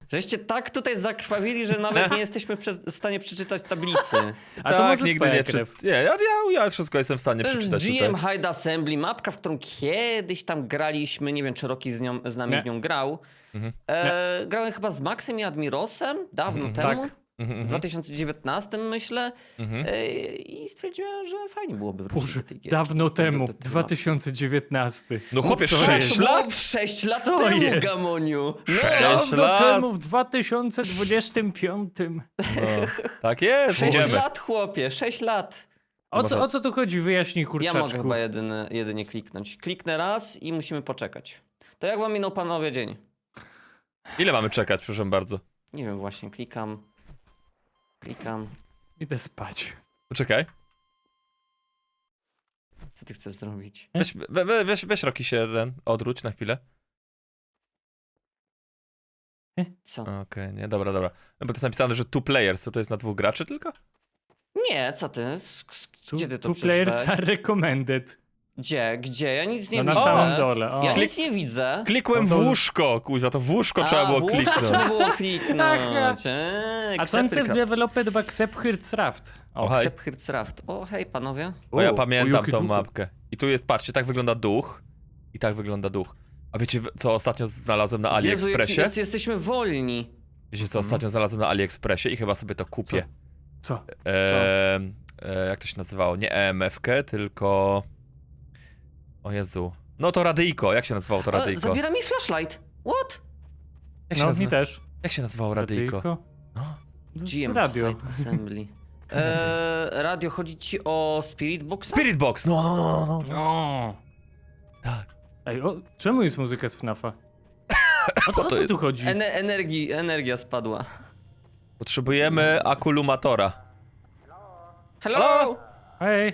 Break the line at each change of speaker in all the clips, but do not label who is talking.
Żeście tak tutaj zakrwawili, że nawet nie jesteśmy w stanie przeczytać tablicy.
A to
tak,
może
nigdy
twoja
nie
krew.
Nie, ja wszystko jestem w stanie
To jest
przeczytać
GM
tutaj.
Hide Assembly, mapka, w którą kiedyś tam graliśmy. Nie wiem, czy Rocky z nami
Nie.
w nią grał.
Mhm.
Grałem chyba z Maxem i Admirosem dawno
Mhm,
temu.
tak.
Mhm,
W 2019 myślę.
mhm.
I stwierdziłem, że fajnie byłoby wrócić
Boże,
do tej gierki.
dawno temu,
Do tej
2019.
No chłopie,
co
6
jest?
lat?
6 lat
Co
temu,
jest?
Gamoniu! No,
6
Dawno
lat.
temu, w 2025.
No, tak jest,
6
idziemy.
lat, chłopie, 6 lat.
O co tu chodzi? Wyjaśnij,
Ja
kurczaczku.
mogę chyba jedynie kliknąć. Kliknę raz i musimy poczekać. To jak wam minął, panowie, dzień?
Ile mamy czekać, proszę bardzo?
Nie wiem, właśnie, klikam.
Idę spać.
Poczekaj.
Co ty chcesz zrobić?
Weź Rocky się odwróć na chwilę.
Co?
Okej, nie, dobra. No bo to jest napisane, że 2 players, co to jest na 2 graczy tylko?
Nie, co ty? Gdzie ty to
Two players
przeczytałeś?
are recommended.
Gdzie? Ja nic nie
No na
widzę.
samym dole. O.
Ja nic nie widzę.
Klikłem w
No to-
łóżko, kuźwa, to w łóżko trzeba było
w łóżko
kliknąć.
trzeba było kliknąć.
Advanced Developed by Xephyrzraft.
Hej.
Raft. O, hej, panowie.
Bo ja
O,
pamiętam
jakie
tą
duchy.
mapkę. I tu jest, patrzcie, tak wygląda duch. I tak wygląda duch. A wiecie, co ostatnio znalazłem na
Jezu,
AliExpressie?
jesteśmy wolni.
Wiecie, co ostatnio znalazłem na AliExpressie i chyba sobie to kupię.
Co?
Jak to się nazywało? Nie EMF-kę, tylko... O Jezu. No to radyjko. Jak się nazywało to radyjko?
Zabiera mi flashlight. What?
Jak się,
No, mi też.
jak się nazywało radyjko?
Radyjko.
No.
GM
Radio.
Hide Assembly. Radio, chodzi ci o Spirit Boxa?
Spirit Box! No.
O.
Tak.
Ej, czemu jest muzyka z FNAF-a? O
to
co
jest?
tu chodzi?
Energia spadła.
Potrzebujemy akulumatora.
Hello?
Halo?
Hej.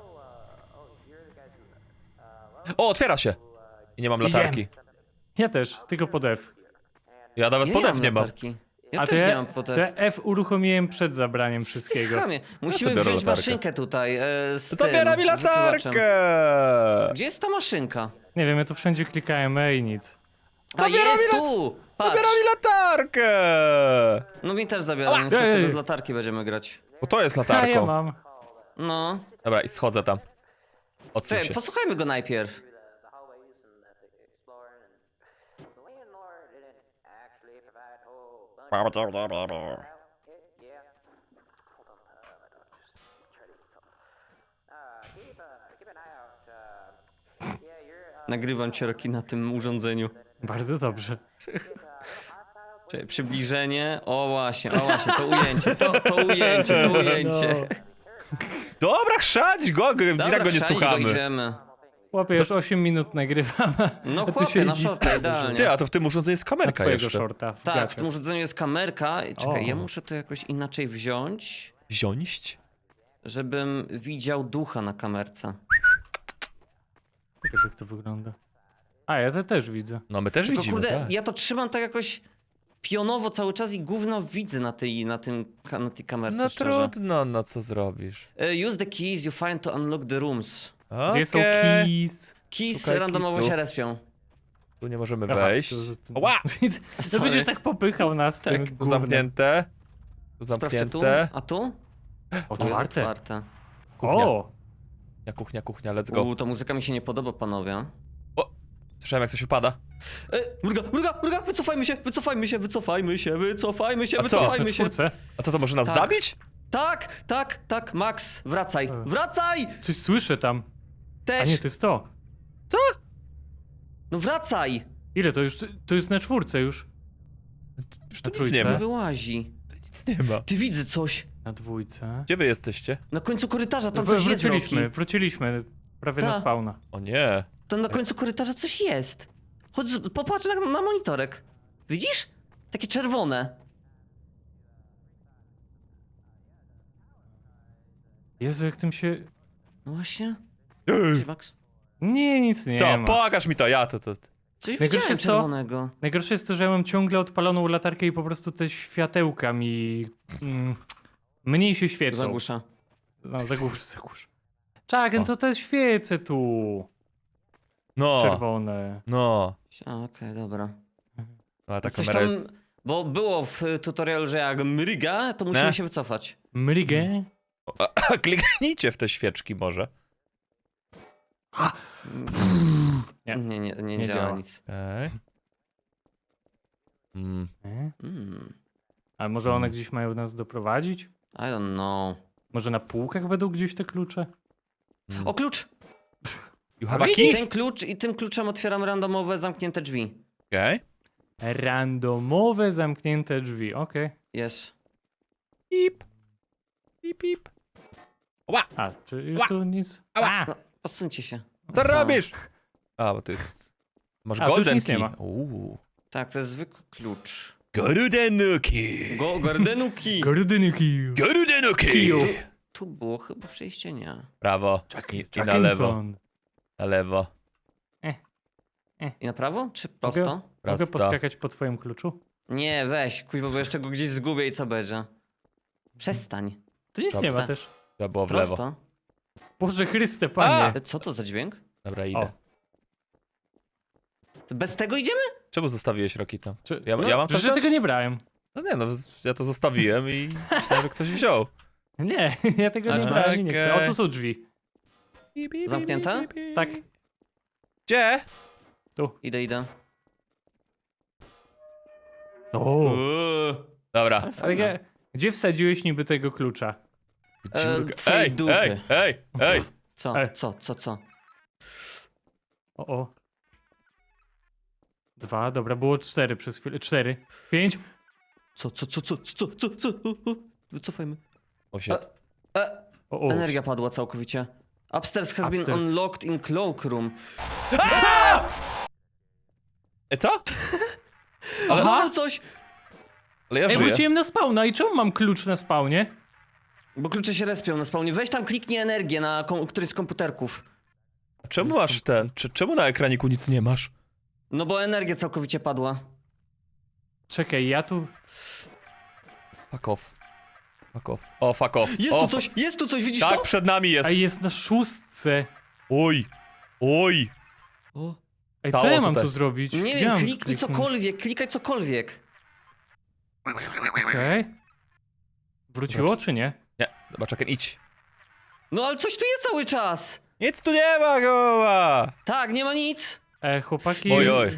O, otwiera się! I nie mam latarki.
Ja też, tylko pod F.
Ja nawet
Ja
podew nie mam.
latarki. Ja
A
też
to
nie mam potem.
to F uruchomiłem przed zabraniem wszystkiego.
Chamie. Musimy
biorę
wziąć
latarkę.
maszynkę tutaj z
Zabiera
tym,
mi
z wykrywaczem.
latarkę!
Gdzie jest ta maszynka?
Nie wiem, ja tu wszędzie klikałem E i nic.
A
Zabiera
jest
mi
tu! Patrz.
Zabiera mi latarkę!
No mi też zabiera, niestety
Ej.
bez latarki będziemy grać.
Bo to jest
A ja
latarką.
mam.
No.
Dobra, i schodzę tam. Odsuń
Czekaj,
się.
posłuchajmy go najpierw. Nagrywam cię, Rocky, na tym urządzeniu.
Bardzo dobrze.
Czekaj, przybliżenie. O właśnie, to ujęcie, to ujęcie.
No.
Dobra, chrzać go! I
Dobra,
tak go nie
wsiadź,
słuchamy.
idziemy.
Chłopie, już 8 minut nagrywam.
No
a ty
chłopie,
się
na
nic
shorta,
nie
idealnie.
Ty, a to w tym urządzeniu jest
Na
kamerka
twojego
jeszcze.
shorta. w
Tak, w
gacie.
tym urządzeniu jest kamerka. Czekaj,
O.
ja muszę to jakoś inaczej wziąć,
Wziąć?
żebym widział ducha na kamerce.
Pokaż, jak to wygląda. A, ja to też widzę.
No my też
Tylko
widzimy,
kurde,
tak.
ja to trzymam tak jakoś pionowo cały czas i gówno widzę na tej kamerce,
No
szczerze.
trudno, no co zrobisz?
Use the keys you find to unlock the rooms.
Gdzie są
Okej.
keys?
Keys
Szukaj
randomowo
keysów.
się respią.
Tu nie możemy
Aha,
wejść. Ła!
To
Sorry.
będziesz tak popychał nas tym
Tu
gównem.
zamknięte. Tu
Sprawdźcie tu,
zamknięte.
a tu?
Otwarte.
Otwarte.
Kuchnia.
O!
Kuchnia, let's go.
Ta muzyka mi się nie podoba, panowie.
Słyszałem jak coś upada.
Mruga, wycofajmy się.
A co?
Na czwórce.
A co to może nas
Tak.
zabić?
Tak, Max, wracaj.
E.
Wracaj!
Coś słyszę tam. A
Też!
nie, to jest to.
No wracaj!
Ile to już? To jest na czwórce już.
Już
Na
tu nic nie
trójce?
ma.
Wyłazi.
Nic nie ma.
Ty widzę coś.
Na dwójce.
Gdzie wy jesteście?
Na końcu korytarza tam coś jest, Rocky.
Wróciliśmy. Prawie na
Ta.
spawna.
O nie.
Tam na końcu korytarza coś jest. Chodź, popatrz na monitorek. Widzisz? Takie czerwone.
Jezu, jak tym się...
No właśnie.
Ej,
Cześć, Max.
Nie, nic nie
Co?
ma.
Pokaż mi to, ja to.
Coś
Najgorsze
widziałem
jest to-
czerwonego.
Najgorsze jest to, że ja mam ciągle odpaloną latarkę i po prostu te światełka mi... mniej się świecą.
Zagłusza.
No, zagłusz. Czak, no to te świece tu.
No.
Czerwone.
No.
Okej, dobra.
A ta
Coś
kamera
tam
jest...
Bo było w tutorialu, że jak mryga, to musimy
Ne?
się wycofać.
Mrygę.
Kliknijcie w te świeczki może.
Nie.
Nie
Nie
działa
działa.
nic.
Okej. Mm.
Ale może one gdzieś mają nas doprowadzić?
I don't know.
Może na półkach będą gdzieś te klucze?
O, klucz!
You have a
Ale
key?
Ten klucz i tym kluczem otwieram randomowe, zamknięte drzwi.
Okej.
Randomowe, zamknięte drzwi, okej.
Jest.
Pip. Pip, pip. Ła!
A, czy już
Ła!
tu nic?
Ała!
A,
No, odsuńcie się.
Co robisz? A, bo to jest... Masz
A, tu już
golden
nic nie
key.
ma.
Tak, to jest zwykły klucz.
Golden key.
Gardenuki!
Gardenyki.
Golden key.
Kiju.
Tu było chyba przejście, nie.
Prawo. I na lewo.
Jackinson.
Na lewo.
I na prawo? Czy prosto?
Mogę
Prosto.
poskakać po twoim kluczu?
Nie, weź, kuźwa, bo jeszcze go gdzieś zgubię i co będzie. Przestań.
Tu nic nie ma
Dobra.
też.
Trzeba było w lewo.
Prosto.
Boże Chryste, panie.
Co to za dźwięk?
Dobra, idę.
O.
To bez tego idziemy?
Czemu zostawiłeś Roki tam?
Czy,
Ja,
No,
ja mam
Przecież
to
ja tego nie brałem.
No nie, no ja to zostawiłem i myślałem, że ktoś wziął.
Nie, ja tego
A
nie
czy
brałem
masz?
i nie chcę. O, tu są drzwi.
Zamknięte?
Tak.
Gdzie?
Tu.
Idę.
O.
Dobra.
Ale gdzie wsadziłeś niby tego klucza?
Twojej dupy.
Ej!
Co?
Ej.
Co?
O. 2, dobra, było 4 przez chwilę. 4, 5.
Co? Wycofajmy.
O shit.
O.
Energia padła całkowicie. Upstairs has been
Upstairs.
unlocked in cloakroom.
Co?
Ale
Aha.
coś!
Ale ja
Ej,
żyję.
wróciłem na spawna i czemu mam klucz na spawnie?
Bo klucze się respią na spawnie. Weź tam kliknij energię na któryś z komputerków.
Czemu masz ten? Czemu na ekraniku nic nie masz?
No bo energia całkowicie padła.
Czekaj, ja tu...
Fuck off. Fuck off. O, fuck off.
Jest tu coś, widzisz
Tak,
to?
przed nami jest.
A jest na 6.
Oj. Oj.
O.
Ej, co
Stało
ja mam
tutaj.
tu zrobić?
Nie
Gdzie
wiem,
mam
kliknij
kliknąć?
klikaj cokolwiek.
Okej. Wróciło czy nie?
Nie, dobra, czekaj, idź.
No ale coś tu jest cały czas!
Nic tu nie ma, goła!
Tak, nie ma nic.
Chłopaki...
Oj,
jest-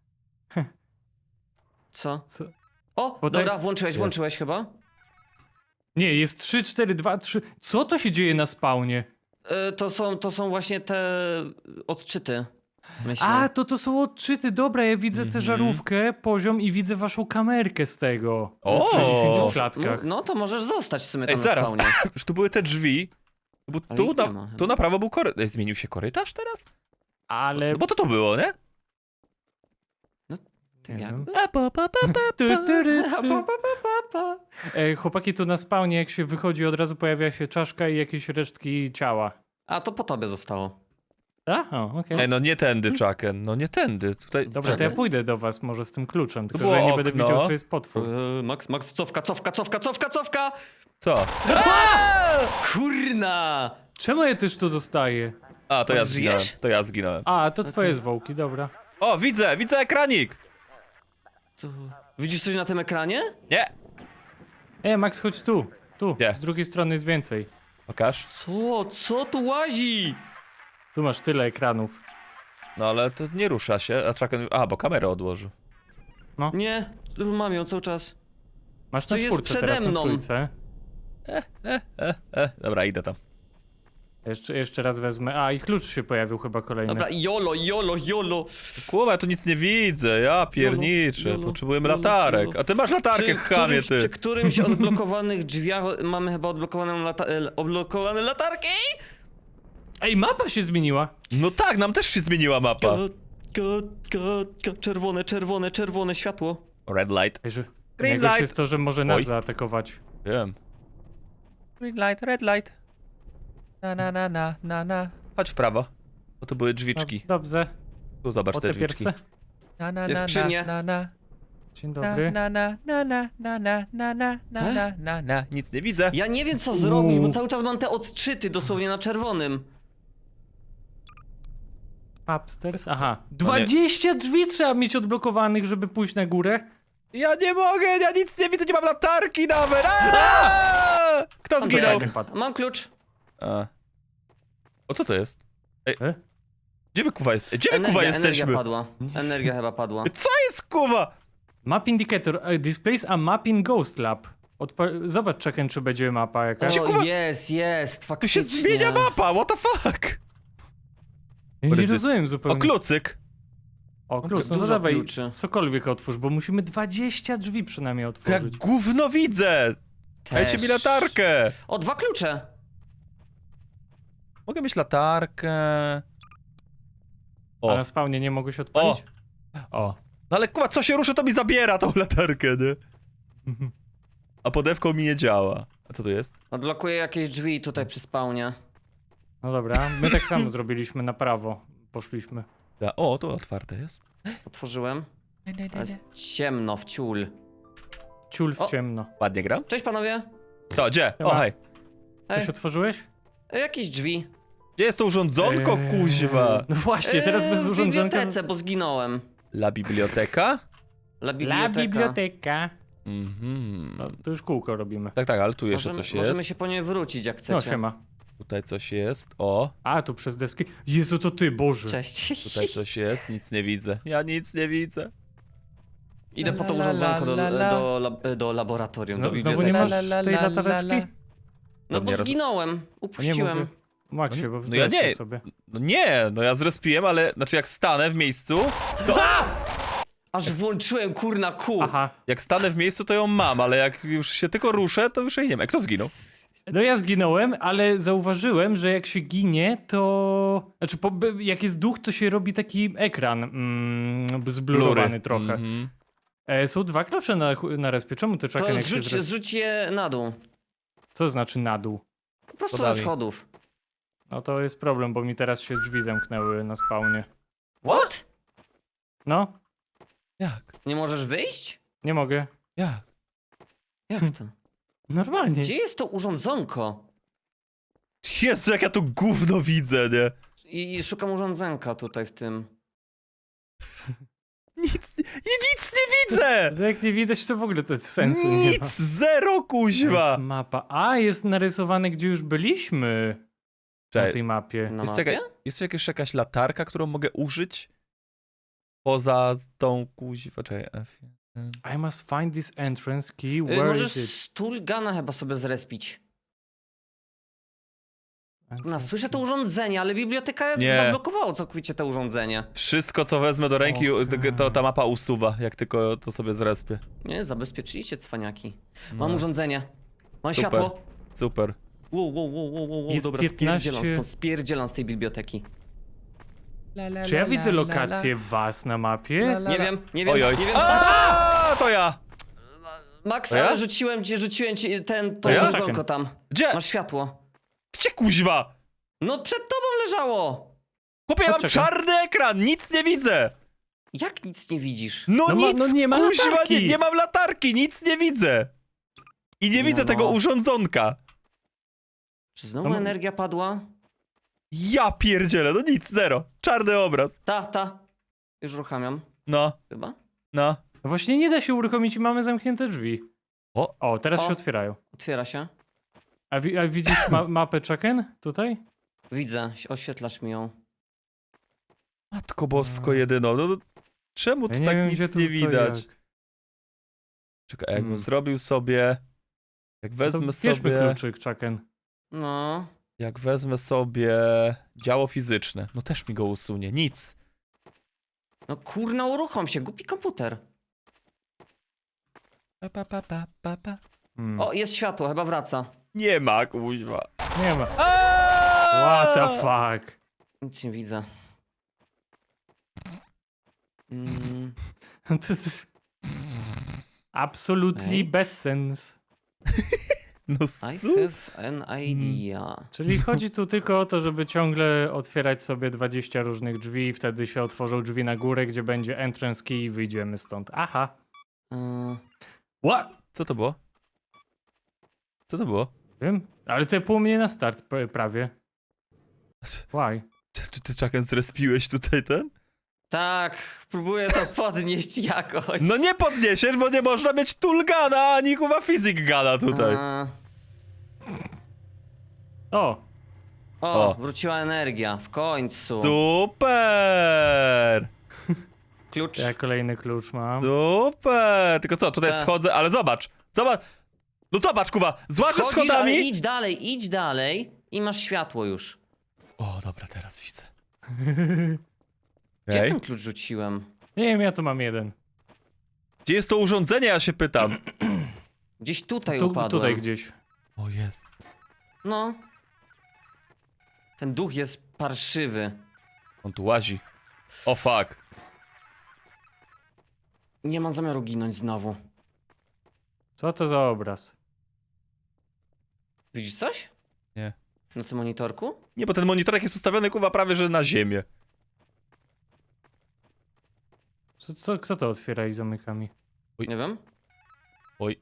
Co?
Co?
O,
Bo
dobra,
tak-
włączyłeś chyba.
Nie, jest 3, 4, 2, 3. Co to się dzieje na spawnie?
To są właśnie te odczyty. Myślę.
A, to są odczyty. Dobra, ja widzę tę
Mhm.
żarówkę, poziom i widzę waszą kamerkę z tego.
O!
W 60
no,
klatkach.
no to możesz zostać w sumie
Ej,
tam
zaraz.
na spawnie.
Już tu były te drzwi. Bo
Ale
tu
ich nie
na,
ma chyba.
tu na prawo był korytarz. Zmienił się korytarz teraz?
Ale...
No bo to było, nie?
Nie
Jakby?
Tu, tu, ry,
Pa,
tu.
pa, pa, pa.
Chłopaki, tu na spawnie, jak się wychodzi, od razu pojawia się czaszka i jakieś resztki ciała.
A to po tobie zostało.
A? O, okej.
Ej, no nie tędy, Chucken. No nie tędy. Tutaj.
Dobra, to ja
czekaj.
pójdę do was może z tym kluczem, tylko
było
że ja nie będę
okno.
widział, czy jest potwór.
Max, cofka!
Co?
Kurna!
Czemu ja też to dostaję?
A, to ja
Żyjesz?
zginąłem. To ja zginąłem.
A, to twoje
Okej.
zwłoki, dobra.
O, widzę ekranik!
Widzisz coś na tym ekranie?
Nie!
Max, chodź tu. Tu,
Gdzie?
z drugiej strony jest więcej.
Pokaż.
Co tu łazi?
Tu masz tyle ekranów.
No ale to nie rusza się. A Chucken. A, bo kamerę odłożył.
Nie, mam ją cały czas.
Masz
Co
na
jest
czwórce
przede
teraz, na
mną?
trójce.
Dobra, idę tam.
Jeszcze raz wezmę. A, i klucz się pojawił chyba kolejny.
Dobra, jolo.
Kurwa, ja tu nic nie widzę. Ja pierniczę.
Jolo,
Potrzebujemy
jolo,
latarek.
jolo.
A ty masz latarkę, chamie,
Przy
ty.
którymś odblokowanych drzwiach mamy chyba odblokowane latarki?
Ej, mapa się zmieniła.
No tak, nam też się zmieniła mapa.
Czerwone światło.
Red light.
Ej, że...
Green
Najgorsze
light.
jest to, że może nas
Oj.
zaatakować.
Wiem. Green light, red light. Na. Chodź w prawo. Bo tu były drzwiczki.
No, dobrze.
Tu zobacz
O
te
te
drzwiczki.
pierwsze.
Jest przy mnie.
Dzień dobry.
Nic nie widzę.
Ja nie wiem co zrobić, bo cały czas mam te odczyty dosłownie na czerwonym.
Upstairs? Aha.
nie.
20 drzwi trzeba mieć odblokowanych, żeby pójść na górę.
Ja nie mogę, ja nic nie widzę, nie mam latarki nawet! Aaaa! Kto
Mam
zginął?
klucz. Mam klucz.
A. O, co to jest?
E?
Gdzie my kuwa jest? Gdzie my kuwa
Energia
jesteśmy?
padła. Energia chyba padła.
Co jest kuwa?
Map indicator displays a map in Ghost Lab. Zobacz, Czeken, czy będzie mapa jakaś.
O,
kuwa-
jest,
Tu
faktycznie.
się zmienia mapa, what the fuck?
Ja
What
nie
is this?
rozumiem
O,
zupełnie.
klucyk.
O, klucz, no to
Dużo
dawaj,
kluczy.
cokolwiek otwórz, bo musimy 20 drzwi przynajmniej
Jak
otworzyć.
gówno widzę! Dajcie mi
Też.
latarkę!
O, 2 klucze.
Mogę mieć latarkę.
A
O,
na spawnie nie mogłeś odpalić? O.
no ale kuwa, co się ruszy, to mi zabiera tą latarkę, nie? A podewką mi nie działa. A co tu jest?
Odblokuję jakieś drzwi tutaj przy spawnie.
No dobra, my tak samo zrobiliśmy na prawo. Poszliśmy.
O, tu otwarte jest.
Otworzyłem. To jest ciemno w ciul.
Ciul w
O.
ciemno.
Ładnie gram.
Cześć panowie.
To, gdzie? O,
Siema.
hej.
Coś
Ej,
otworzyłeś?
jakieś drzwi.
Gdzie jest to urządzonko, kuźwa?
No właśnie, teraz bez
W
urządzonka.
bibliotece, bo zginąłem.
La biblioteka?
La biblioteka.
La biblioteka.
Mhm.
No, to już kółko robimy.
Tak, ale tu jeszcze coś
Możemy
jest.
się po nie wrócić jak chcecie.
No siema.
Tutaj coś jest. O,
A, tu przez deski. Jezu, to ty, Boże.
Cześć.
tutaj coś jest. Nic nie widzę. Ja nic nie widzę.
Idę po to
La, la,
urządzonko
la, la.
do laboratorium, do
Znowu nie
biblioteki.
masz tej latareczki?
No bo
Nie roz-
zginąłem.
Nie
Upuściłem.
mówię. Maxie, bo
No ja nie.
sobie.
No nie, no ja zrespiłem, ale znaczy jak stanę w miejscu, to
Aż włączyłem kurna kół.
Aha.
jak stanę w miejscu, to ją mam, ale jak już się tylko ruszę, to już jej nie ma. Kto zginął?
No ja zginąłem, ale zauważyłem, że jak się ginie, to... Znaczy, jak jest duch, to się robi taki ekran zblurowany trochę.
Mhm.
Są 2 klucze na respie. Czemu ty czekaj,
To
jak się
zrzuć je na dół.
Co znaczy na dół?
Po prostu
Podami.
ze schodów.
No to jest problem, bo mi teraz się drzwi zamknęły na spawnie.
What?
No,
Jak?
Nie możesz wyjść?
nie mogę.
Jak?
Jak to?
Normalnie.
Gdzie jest to urządzonko?
Jezu, jak ja tu gówno widzę, nie?
I szukam urządzonka tutaj w tym.
Nic nie widzę!
Jak nie widać, to w ogóle to sensu nie ma.
Nic, zero,
Jest
kuźwa!
mapa. A, jest narysowane, gdzie już byliśmy na
Cześć,
tej mapie.
Na
jest,
mapie?
jest tu jakaś latarka, którą mogę użyć? Poza tą kuźwa, czekaj, F.
I must find this entrance key. Where
Możesz
is it?
Stulgana chyba sobie zrespić. No,
Entrance
słyszę to
key.
urządzenie, ale biblioteka
Nie.
zablokowało całkowicie to urządzenie.
Wszystko, co wezmę do ręki,
Okej.
to ta mapa usuwa, jak tylko to sobie zrespię.
Nie, zabezpieczyliście cwaniaki.
No.
Mam urządzenie. Mam
Super.
światło.
Super.
Wow,
Jest
dobra,
15
spierdzielam z tej biblioteki.
Czy ja widzę lokację was na mapie?
Nie wiem,
Oj, oj.
nie wiem.
A, to ja!
Max,
To ja?
ale rzuciłem ci to
ja?
urządzonko tam.
Gdzie?
Masz światło.
Gdzie kuźwa?
No przed tobą leżało!
Chłopie, ja mam
Poczekaj.
czarny ekran, nic nie widzę!
Jak nic nie widzisz?
No,
No ma-
nic,
no nie ma
kuźwa,
latarki.
nie mam latarki, nic nie widzę! I nie widzę
No.
tego urządzonka.
Czy znowu
No,
energia padła?
Ja pierdzielę, no nic, zero. Czarny obraz.
Ta. Już uruchamiam,
No,
chyba.
no.
No właśnie nie da się uruchomić i mamy zamknięte drzwi. O, teraz
O.
się otwierają.
Otwiera się.
A widzisz mapę Chucken tutaj?
Widzę, oświetlasz mi ją.
Matko bosko jedyno, no czemu tu
Ja nie
tak
wiem,
nic
gdzie tu
nie
co
widać?
jak.
Czekaj, jakbym
Hmm.
zrobił sobie... Jak
To
wezmę
bierzmy
sobie...
kluczyk Chucken.
No.
Jak wezmę sobie... Działo fizyczne, no też mi go usunie, nic.
No kurna, uruchom się, głupi komputer.
Pa.
Hmm.
O, jest światło, chyba wraca.
Nie ma, kuźwa.
Nie ma.
Aaaa!
What the fuck?
Nic nie widzę. Mm,
Absolutely
Ej.
bez sens.
No
I
su...
have an idea.
Czyli chodzi tu tylko o to, żeby ciągle otwierać sobie 20 różnych drzwi i wtedy się otworzą drzwi na górę, gdzie będzie entrance key i wyjdziemy stąd. Aha. What?
Co to było? Co to było?
Wiem, ale to pół mnie na start prawie. Why?
Czy ty, Chucken, zrespiłeś tutaj ten?
Tak, próbuję to podnieść jakoś.
No nie podniesiesz, bo nie można mieć Toolgana, ani chyba Physic Gana tutaj.
O,
O,
O.
wróciła energia, w końcu.
Super!
Klucz.
ja kolejny klucz mam.
Super! Tylko co, tutaj
Tak.
schodzę, ale zobacz! Zobacz! No zobacz, Kuba! Złażę
Schodzisz,
schodami!
ale idź dalej i masz światło już.
O, dobra, teraz widzę.
Gdzie
Okej.
ten klucz rzuciłem?
Nie wiem, ja tu mam jeden.
Gdzie jest to urządzenie, ja się pytam.
Gdzieś tutaj
Tu,
upadłem.
tutaj gdzieś.
O, jest.
No. Ten duch jest parszywy.
On tu łazi. O, fuck.
Nie mam zamiaru ginąć znowu.
Co to za obraz?
Widzisz coś?
Nie.
Na tym monitorku?
Nie, bo ten monitorek jest ustawiony, Kuba, prawie że na ziemię.
Kto to otwiera i zamyka mi?
Oj.
Nie wiem.
Oj.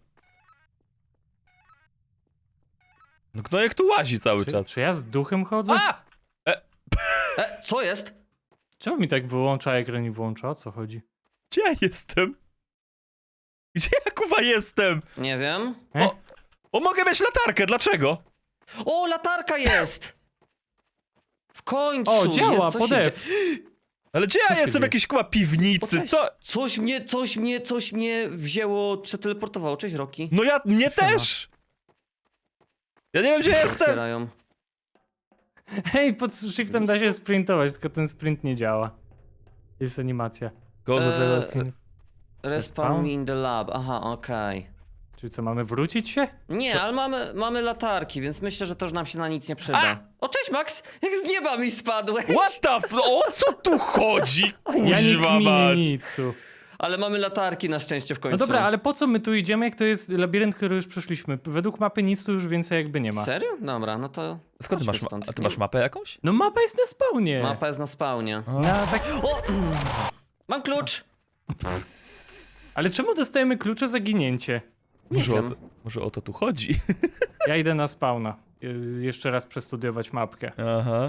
No Gnojek tu łazi cały
Czy,
czas.
czy ja z duchem chodzę?
A!
Co jest?
Czemu mi tak wyłącza ekran i włącza? O co chodzi?
Gdzie ja jestem? Gdzie ja, Kuba, jestem?
Nie wiem.
O, mogę mieć latarkę, dlaczego?
O, latarka jest! W końcu!
O, działa,
jest, co się
podew.
dzieje?
Ale gdzie
Co
ja
się
jestem? W
dzieje?
jakiejś, Kuba, piwnicy,
Cześć.
co?
Coś mnie wzięło, przeteleportowało. Cześć, Roki.
No mnie też! Ja nie wiem, gdzie jestem!
Otwierają.
Hej, pod shiftem da się sprintować, tylko ten sprint nie działa. Jest animacja.
Go do tego
Respawn
Respawn?
me in the lab. Aha, okej.
Czyli co, mamy wrócić się?
Nie, ale mamy latarki, więc myślę, że to już nam się na nic nie przyda. O, cześć, Max! Jak z nieba mi spadłeś!
What the f... O co tu chodzi?
Ja nie
Kuźwa
kminię
mać!
nic tu.
Ale mamy latarki na szczęście w końcu.
No dobra, ale po co my tu idziemy, jak to jest labirynt, który już przeszliśmy? Według mapy nic tu już więcej jakby nie ma.
Serio? Dobra, no to...
Skąd ty
chodźmy
masz,
stąd.
a ty masz mapę jakąś?
No mapa jest na spawnie.
Mapa jest na spawnie.
Na tak...
O! Mam klucz!
Ale czemu dostajemy klucze za ginięcie?
Może,
wiem.
może o to tu chodzi?
Ja idę na spawna. Jeszcze raz przestudiować mapkę.
Aha.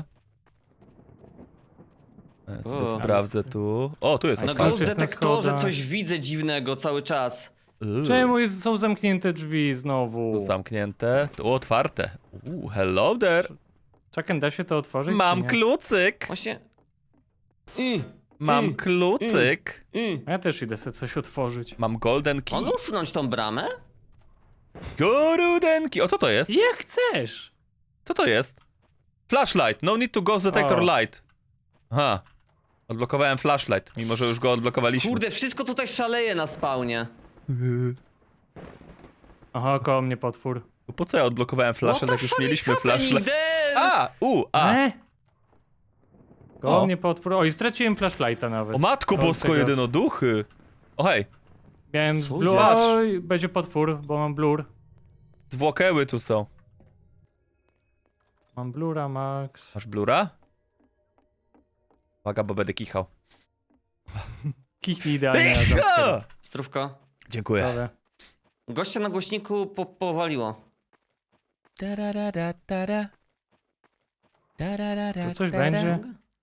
Ja sobie
O.
sprawdzę tu. O, tu jest
No
Na
otwarcie.
ghost
jest na
detektorze
schodach.
coś widzę dziwnego cały czas.
Czemu są zamknięte drzwi znowu?
Tu zamknięte, tu otwarte. Hello there.
Czekaj, da się to otworzyć?
Mam
czy nie?
klucyk.
Właśnie...
Mam klucyk.
Ja też idę sobie coś otworzyć.
Mam golden key.
Mogę usunąć tą bramę?
Golden key. O, co to jest?
Jak chcesz!
Co to jest? Flashlight. No need to ghost detector
O.
light. Aha. Odblokowałem flashlight, mimo że już go odblokowaliśmy.
Kurde, wszystko tutaj szaleje na spawnie.
Aha, koło mnie potwór.
Po co ja odblokowałem flashlight, jak już mieliśmy flashlight?
A!
A!
Koło
O.
mnie potwór. Oj, straciłem flashlighta nawet.
O matko
Od
bosko,
tego.
jedynoduchy. O hej,
Miałem z
Co
blur.
jest?
Oj, będzie potwór, bo mam blur.
zwłokeły tu są.
Mam blura, Max.
Masz blura? Uwaga, bo będę kichał.
Kichnij idealnie na jumpscare.
Zdrówko.
Dziękuję.
Dobra.
Gościa na głośniku powaliło.
Tu coś będzie?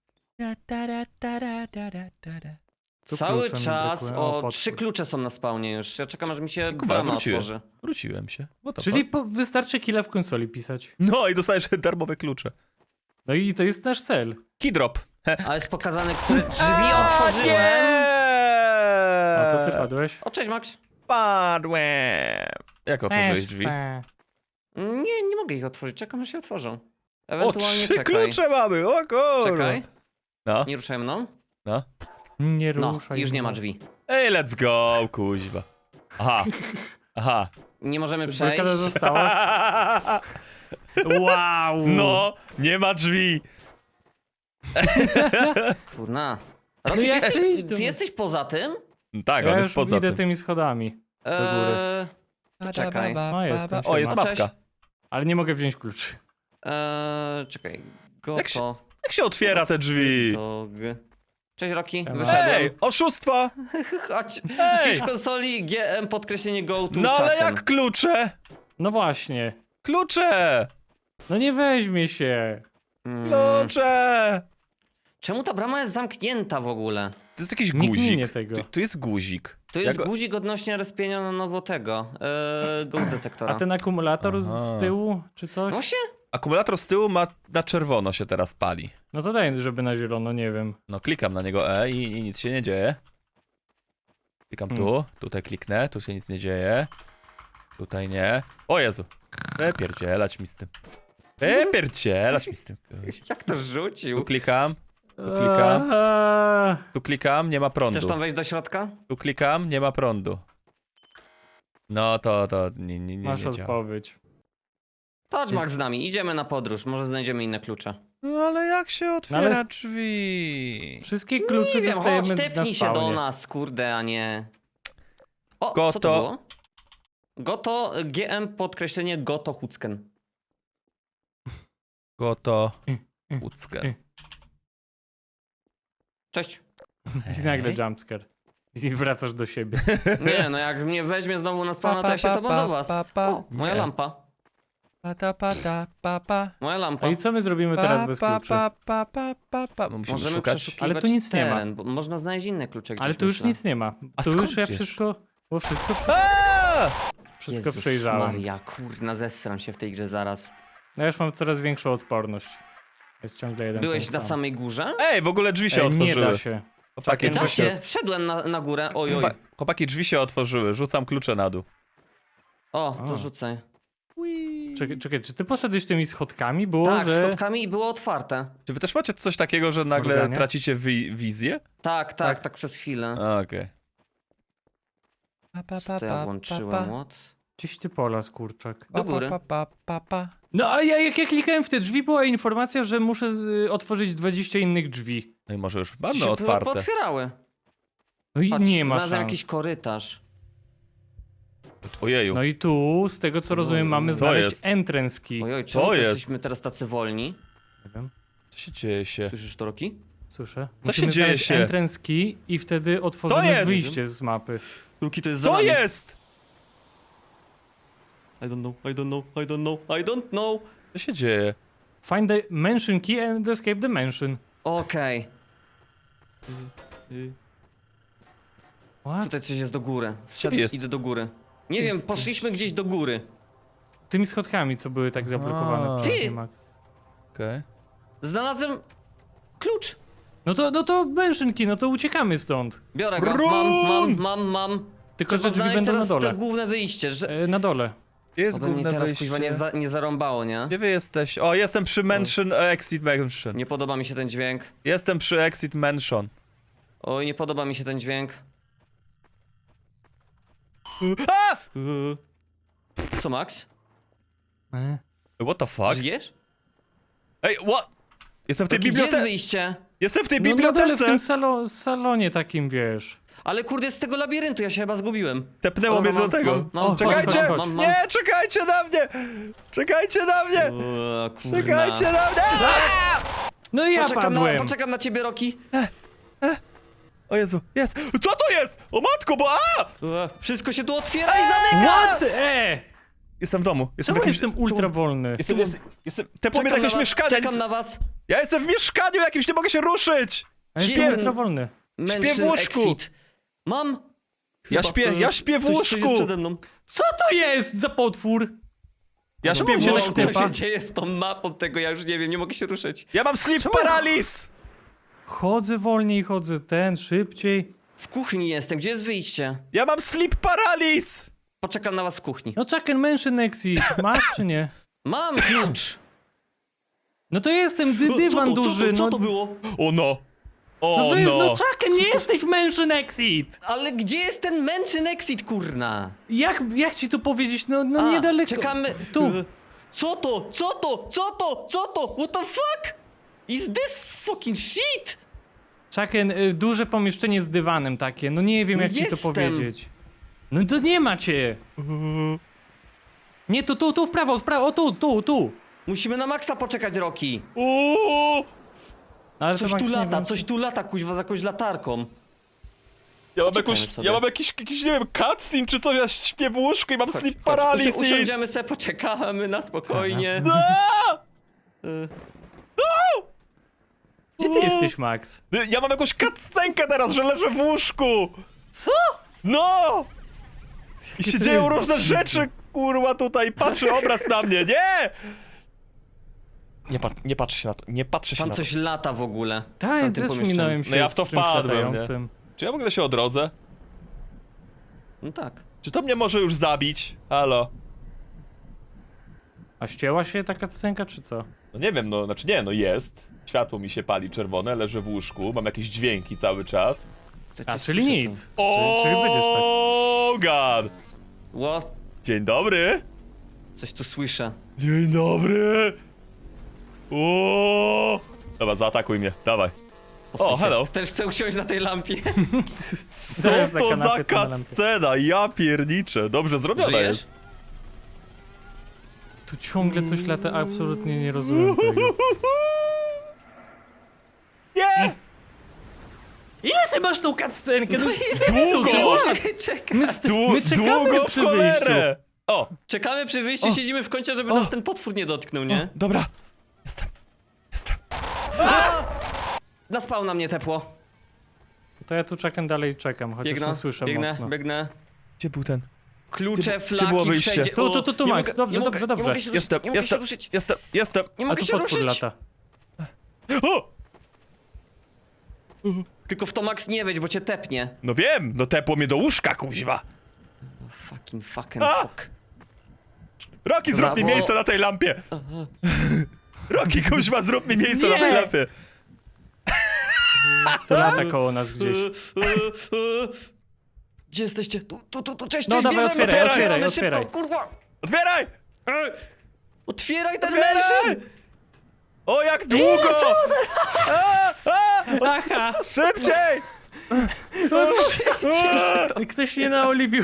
Tu
Cały
klucze mi
czas
brakuje. O,
o
potwór.
3 klucze są na spawnie już. Ja czekam, aż mi się
Kuba,
brama
wróciłem.
otworzy.
Wróciłem się. What the
Czyli
fuck?
wystarczy killa w konsoli pisać.
No i dostajesz darmowe klucze.
No i to jest nasz cel.
Keydrop.
Ale jest pokazane, które drzwi otworzyłem.
A to ty padłeś?
O, cześć, Max.
Padłem. Jak otworzyłeś
Też
drzwi?
chcę.
Nie mogę ich otworzyć. Czekam, aż się otworzą.
O,
Ewentualnie
3
czekaj.
klucze mamy, o kurwa.
Czekaj.
No,
Nie ruszaj mną.
no.
Nie
No,
ruszaj.
już nie ma
mnie.
drzwi.
Ej, let's go, kuźwa. Aha. Aha.
Nie możemy
Czy
przejść.
blokada została? Wow!
No, nie ma drzwi.
Kurna.
No
Rocky,
ja
ty,
chcę
jesteś,
iść do-
ty jesteś poza tym?
Tak,
Ja
on
już
jest poza
idę
tym.
tymi schodami.
Eee, to czekaj.
No, jestem,
O, jest
siema.
mapka.
Cześć.
Ale nie mogę wziąć kluczy.
Czekaj.
Jak się-
Goto.
Jak się otwiera te drzwi?
Dog. Cześć, Rocky.
Siema.
Wyszedłem.
Ej, oszustwa!
Chodź.
Ej!
Wpisz w konsoli GM podkreślenie go to
No ale
czatem.
jak klucze?
No właśnie.
Klucze!
No nie weźmie się.
Mm.
Klucze!
Czemu ta brama jest zamknięta w ogóle?
To jest jakiś
Nikt minie
guzik.
tego.
Tu jest guzik.
To
Ja
jest
go-
guzik odnośnie respienia na nowo tego, ghost detektora.
A ten akumulator
Aha.
z tyłu, czy coś?
Właśnie?
Akumulator z tyłu ma na czerwono się teraz pali.
No to daj, żeby na zielono, nie wiem.
No klikam na niego i nic się nie dzieje. Klikam tu, tutaj kliknę, tu się nic nie dzieje. Tutaj nie. O Jezu! Pierdzielać mi z tym. Pierdzielać mi z tym.
Jak to
Tu
rzucił?
klikam, klikam.
Eee,
tu klikam, nie ma prądu.
Chcesz tam wejść do środka?
Tu klikam, nie ma prądu. No to nie
Masz
działa.
odpowiedź.
Chodź Max z nami, idziemy na podróż, może znajdziemy inne klucze.
No ale jak się otwiera
ale-
drzwi?
Wszystkie klucze
Nie wiem,
dostajemy
chodź,
na
tepnij się do
spawnie.
nas, kurde, a nie... O,
Goto.
co to było? Goto, GM podkreślenie Goto Hucken.
Goto.
y.
Łódzkę.
Cześć.
I nagle jumpscare. I wracasz do siebie.
Nie, no jak mnie weźmie znowu na spawna, to ja się to do was. O, moja
Nie.
lampa.
Pa.
Moja lampa.
A i co my zrobimy teraz bez kluczy?
No musimy
Możemy
szukać.
przeszukiwać
Ale tu nic nie ma.
teren, bo można znaleźć inne klucze gdzieś,
Ale tu już
myślę.
nic nie ma.
A
Tu
skąd
już ja
wiesz?
wszystko
Aaa!
wszystko przejrzałem.
Maria, kurna, zesram się w tej grze zaraz.
No ja już mam coraz większą odporność. Jest ciągle jeden
Byłeś
ten
na
sam.
samej górze?
Ej, w ogóle drzwi się
Nie
otworzyły.
da się.
Chłopaki,
Da
drzwi
się, wszedłem na górę, oj, oj.
Chłopaki, drzwi się otworzyły. Rzucam klucze na dół.
O, to
A.
rzucaj.
Czekaj, czy ty poszedłeś tymi schodkami? Było,
Tak,
że...
schodkami i było otwarte.
Czy wy też macie coś takiego, że nagle
Morganie?
tracicie wizję?
Tak,
Tak.
tak przez chwilę.
Okej.
Co to ja włączyłem od...
Gdzieś ty pola, kurczak.
Do góry.
No a jak ja klikałem w te drzwi, była informacja, że muszę otworzyć 20 innych drzwi.
No i może już
Się
mamy otwarte.
pootwierały.
No i
Patrz,
nie ma
znalazłem
szans.
jakiś korytarz.
Ojeju.
No i tu, z tego co rozumiem, mamy
Co
znaleźć
jest?
entrance key.
Ojoj, czemu
Co
to
jest?
jesteśmy teraz tacy wolni?
Nie wiem,
Co się dzieje się?
Słyszysz to, Roki?
słyszę.
Co się
Musimy
dzieje
znaleźć
się?
entrance key i wtedy otworzymy
jest!
wyjście z mapy.
Roki, to jest
Co jest?
I don't know, I don't know, I don't know, I don't know.
Co się dzieje?
Find the mansion key and escape the mansion.
Okej.
What?
Tutaj coś jest do góry.
Gdzie jest?
Idę do góry. Nie wiem,
Jest-
poszliśmy gdzieś do góry.
Tymi schodkami, co były tak zablokowane
A.
wcześniej.
Ty!
Mac.
Okej.
Znalazłem klucz.
No to mansion key, no to uciekamy stąd.
Biorę go.
Run!
Mam.
Tylko,
Trzeba
że drzwi
znaleźć
będą na
teraz
dole.
to główne wyjście, że...
Na dole.
Gdzie jest
Oby mnie
główne
teraz
wyjście?
kuźwa nie zarąbało, nie?
Gdzie wy jesteś? O, jestem przy Mansion, Exit Mansion.
Nie podoba mi się ten dźwięk.
Jestem przy Exit Mansion.
Oj, nie podoba mi się ten dźwięk.
A!
Co, Max?
What the fuck?
Żyjesz?
Ej, what? Jestem w tej
Gdzie jest
bibliotece.
wyjście?
Jestem w tej
No na dole w
bibliotece.
tym salonie takim, wiesz.
Ale kurde, z tego labiryntu ja się chyba zgubiłem.
Tepnęło
Dobra,
mnie do tego.
O,
Czekajcie!
chodź.
Nie, czekajcie na mnie! Czekajcie na mnie!
O, kurna.
Czekajcie na mnie! A!
No i ja padłem.
Poczekam na ciebie, Roki.
O Jezu, jest! Co to jest? O matko, bo a!
Wszystko się tu otwiera i zamyka!
What?
Jestem w domu. Jestem
Czemu
w jakimś...
jestem ultra wolny?
Jestem... Tepło mnie do jakiegoś mieszkania.
Czekam na was.
Ja jestem w mieszkaniu jakimś, nie mogę się ruszyć!
A jestem
Śpię-
ultra wolny.
Mansion
w łóżku.
Exit. Mam.
Ja
Chyba,
śpię w
coś
łóżku!
jest przede mną.
Co to jest za potwór?
Ja śpię w
się tak
łóżku!
typa?
Co się dzieje z tą mapą tego, ja już nie wiem, nie mogę się ruszyć.
Ja mam sleep
Czemu?
paralyz!
Chodzę wolniej, chodzę szybciej.
W kuchni jestem, gdzie jest wyjście?
Ja mam sleep paralyz!
Poczekam na was w kuchni.
No czekaj, mansion exit. Masz czy nie?
Mam klucz.
No to jestem dywan duży.
Co
No,
to było?
O no! O
no,
no!
no czekaj, nie jesteś w mansion exit.
Ale gdzie jest ten Mansion Exit, kurna?
Jak ci to powiedzieć? No
A,
niedaleko.
Czekamy.
Tu.
Co to? Co to? Co to? Co to? What the fuck? Is this fucking shit?
Czekaj, duże pomieszczenie z dywanem takie. No nie wiem jak ci to
Jestem.
powiedzieć. No to nie macie. Nie, tu w prawo, o tu.
Musimy na Maxa poczekać, Roki.
Uuu!
Ale
Coś
to
tu
Max nie
lata,
wiem.
coś tu lata, kuźwa, za jakąś latarką.
Ja
sobie.
mam jakiś, nie wiem, cutscene czy coś, ja śpię w łóżku i mam sleep
Chodź,
paralysis!
usiądziemy se, poczekamy na spokojnie.
Aaa!
Y,
Gdzie ty jesteś, Max?
Ja mam jakąś cutscenkę teraz, że leżę w łóżku!
Co?
No! I się
to
dzieją
jest
różne
dziwne.
rzeczy, kurwa, tutaj. Patrzy obraz na mnie, nie! Nie patrzę się na to, nie patrzę się
Tam
na to.
coś lata w ogóle. w
Tak,
tamtym
też
pomieszczeniu.
minąłem się
No ja w
z
to
czymś
wpadłem, nie?
latającym.
Czy ja w ogóle się odrodzę?
No tak.
Czy to mnie może już zabić? Halo?
A ścięła się taka scenka, czy co?
No nie wiem, no, znaczy nie, no jest. Światło mi się pali czerwone, leżę w łóżku, mam jakieś dźwięki cały czas.
To
A,
cię
czyli
słyszę,
nic.
O,
Czyli będziesz tak.
God!
co? What?
Dzień dobry!
Coś tu słyszę.
Dzień dobry! O! Dobra, zaatakuj mnie, dawaj. O, hello!
Też chcę usiąść na tej lampie.
Co
Zaraz na
to za
kanapie, to na lampie.
cutscena? Ja pierniczę. Dobrze zrobiona
Żyjesz?
jest.
Tu ciągle coś lata, absolutnie nie rozumiem tego.
Nie!
Ile ty masz tą cutscenkę? No,
Długo!
Czekaj.
my czekamy
Długo w
przy wyjściu.
cholerę! O!
Czekamy przy wyjściu, siedzimy w kącie, żeby nas ten potwór nie dotknął, nie?
Dobra. Jestem.
Na spawna mnie tepło.
To ja tu czekam dalej, czekam, chociaż
Biegnę,
nie słyszę
biegnę,
mocno.
biegnę.
Gdzie był ten?
Klucze,
Gdzie
flaki,
było wyjście?
wszędzie.
Tu,
O,
tu, tu,
nie
Max,
mogę-
dobrze,
nie
dobrze,
mogę,
dobrze.
Nie mogę się ruszyć,
Jestem,
nie mogę się
jestem,
ruszyć.
jestem.
Nie
A
mogę
tu
się
potwór
ruszyć.
lata.
O!
Tylko w to Max nie wejdź, bo cię tepnie.
No wiem, no tepło mnie do łóżka, kuźwa.
Fucking
A!
fuck.
Roki, zrób mi
Brawo.
miejsce na tej lampie. Roki, kuźwa, zrób mi miejsce na tej
Nie!
lampie.
To lata koło nas gdzieś.
Gdzie jesteście? Tu, cześć,
No
cześć,
dawaj,
bierzemy,
otwieraj,
otwieramy
otwieraj,
szybko,
otwieraj.
kurwa.
Otwieraj!
Otwieraj ten
Otwieraj!
mężczyzn!
O, jak długo! A,
Aha!
szybciej!
Ktoś nie naoliwił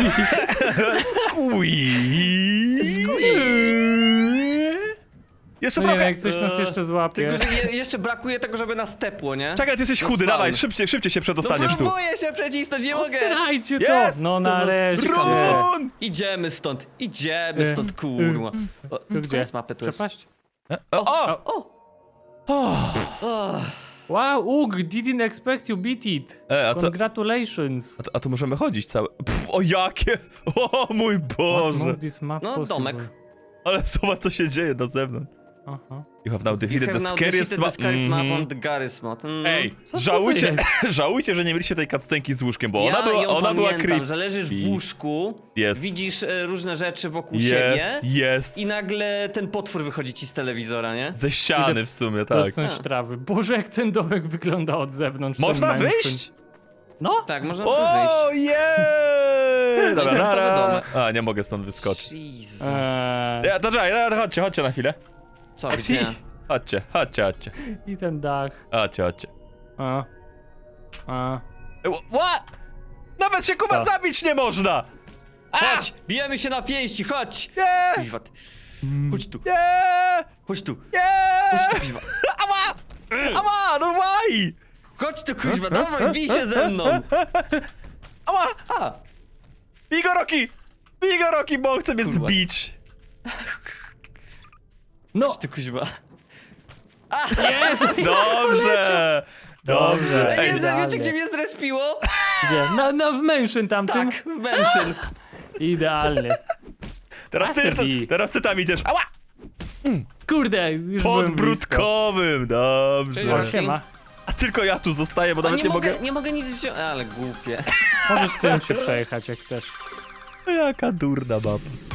Jeszcze
No nie wiem,
trochę!
jak coś nas jeszcze złapie.
Tylko, że jeszcze brakuje tego, żeby nas tepło, nie?
Czekaj, ty jesteś
No
chudy,
spawn.
dawaj, szybciej się przedostaniesz
no
tu.
próbuję się przecisnąć, nie mogę!
Otwierajcie to!
Jest!
No nareszcie.
Run!
Idziemy stąd, kurwa. O,
Tu gdzie?
koniec mapy tu jest.
Przepaść?
O!
O!
O!
Wow, Ugh, didn't expect you beat it.
A co?
Congratulations.
A tu możemy chodzić całe. Pff, o jakie! O mój Boże!
Move this map
No,
possible.
domek.
Ale zobacz co się dzieje na zewnątrz.
Aha.
You have now
You
defeated
have
the
now
scariest
defeated the scariest map
Mhm.
on the Garry's mod.
Ej,
Co to
żałujcie,
jest?
żałujcie, że nie mieliście tej cutscenki z łóżkiem, bo
Ja ją
ona była
pamiętam,
creepy.
że leżysz w łóżku,
Jest.
widzisz różne rzeczy wokół siebie
Jest.
i nagle ten potwór wychodzi ci z telewizora, nie?
Ze ściany
Idę
w sumie, tak.
Dotknąć
A.
trawy. Boże, jak ten domek wygląda od zewnątrz. ten
Można
mansion.
wyjść?
No!
Tak, można stąd wyjść.
O, jej! Dobra,
Minecraftowy
nara.
domek.
A, nie mogę stąd wyskoczyć.
Jesus.
Ja, to czekaj, chodźcie na chwilę.
Co, gdzie?
Chodźcie.
I ten dach.
Chodźcie.
A.
What? Nawet się Kuba
Co?
zabić nie można!
Chodź, bijemy się na pięści, chodź!
Nie!
Kuźwa, chodź tu,
Nie!
chodź tu,
Nie!
chodź tu, kuźwa.
Ała! No why?
Chodź tu, kuźwa, dawaj, bij się ze mną!
Ała!
A,
Bij go, Roki, bo on chce mnie
Kurwa.
zbić.
No!
chodź tu, kuźwa.
Jest!
Dobrze! Dobrze.
Ej,
Ej,
wiecie,
idealnie.
gdzie mnie zrespiło?
Gdzie? W mansion tamtym?
Tak, w Mężyn.
Idealnie.
teraz ty tam idziesz. Ała!
Kurde, już
Pod
byłem blisko.
brudkowym, dobrze.
O, siema.
A tylko ja tu zostaję, bo
A
nawet nie mogę...
nie mogę nic wziąć, ale głupie.
Możesz tym się przejechać jak chcesz.
Jaka durna baba.